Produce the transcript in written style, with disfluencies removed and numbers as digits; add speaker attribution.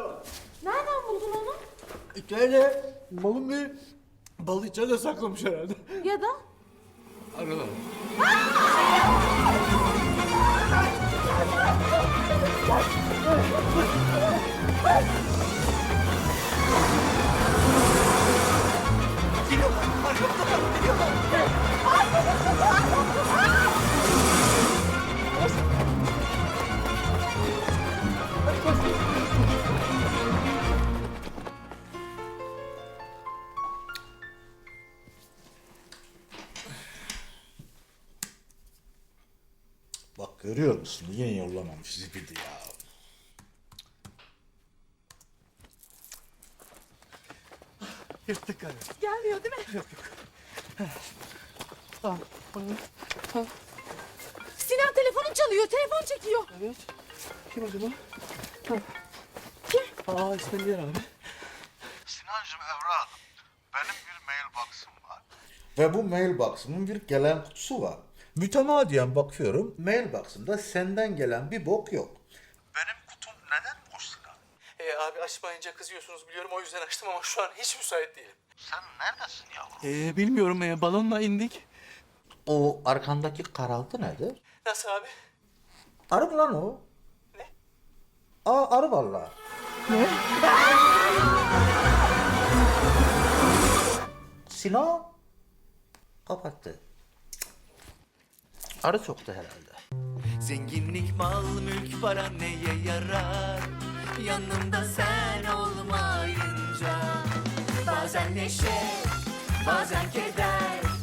Speaker 1: Nereden buldun onu?
Speaker 2: İçeride malın bir balı içeride saklamış herhalde.
Speaker 1: Ya da?
Speaker 2: Aralar. Bak görüyor musun? Yine yollamamış zibidi ya. Yırttık galiba.
Speaker 1: Gelmiyor değil mi?
Speaker 2: Yok.
Speaker 1: Sinan telefonun çalıyor. Telefon çekiyor.
Speaker 2: Evet. Kim acaba?
Speaker 1: Kim?
Speaker 2: İskender abi.
Speaker 3: Sinancığım evladım, benim bir mailbox'ım var.
Speaker 2: Ve bu mailbox'ımın bir gelen kutusu var. Mütemadiyen bakıyorum. Mailbox'ımda senden gelen bir bok yok.
Speaker 3: Benim kutum neden boş Sinan?
Speaker 4: Abi açmayınca kızıyorsunuz biliyorum, o yüzden açtım ama şu an hiç müsait değilim.
Speaker 3: Sen neredesin yavrum?
Speaker 4: Bilmiyorum, balonla indik.
Speaker 2: O arkandaki karaltı nedir?
Speaker 4: Nasıl abi?
Speaker 2: Arı mı lan o?
Speaker 4: Ne?
Speaker 2: Arı vallahi. Ne? Sinan kapattı. Arı soktu herhalde.
Speaker 5: Zenginlik, mal, mülk, para neye yarar? Yanımda sen olmayınca. Bazen neşe, bazen keder.